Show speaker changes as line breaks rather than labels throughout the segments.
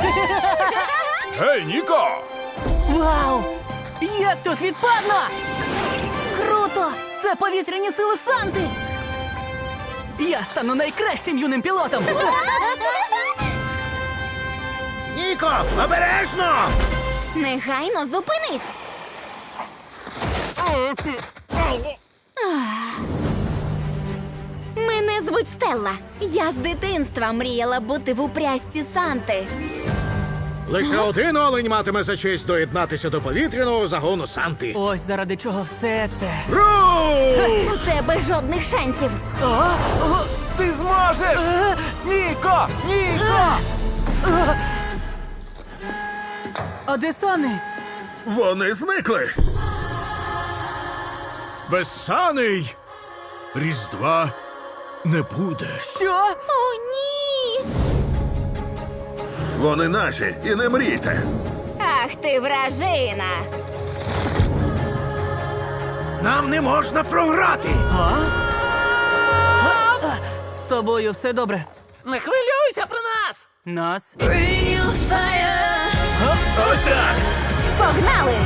Гей, Ніко!
Вау! Як тут відпадно! Круто! Це повітряні сили Санти! Я стану найкращим юним пілотом!
Ніко, обережно!
Негайно зупинись! Мене звуть Стелла. Я з дитинства мріяла бути в упрясті Санти.
Лише один олень матиме за честь доєднатися до повітряного загону Санти.
Ось заради чого все це.
Руш!
У тебе жодних шансів.
Ти зможеш! Ніко! Ніко!
А де Сани?
Вони зникли.
Без саней Різдва не буде.
Що?
О, ні!
Вони наші, і не мрійте.
Ах ти вражина!
Нам не можна програти!
З тобою все добре.
Не хвилюйся про нас!
Нас?
Ось так!
Погнали!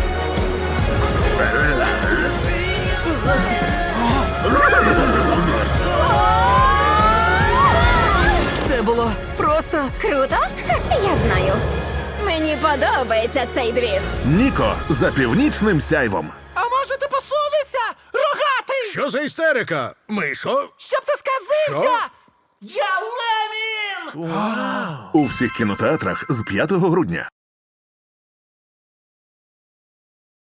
Це було просто...
Круто? Я знаю. Мені подобається цей двіж.
Ніко за північним сяйвом.
А може ти посунешся, рогатий? Що за істерика? Мишо? Щоб ти сказився! Що? Я Ленін!
У всіх кінотеатрах з 5 грудня.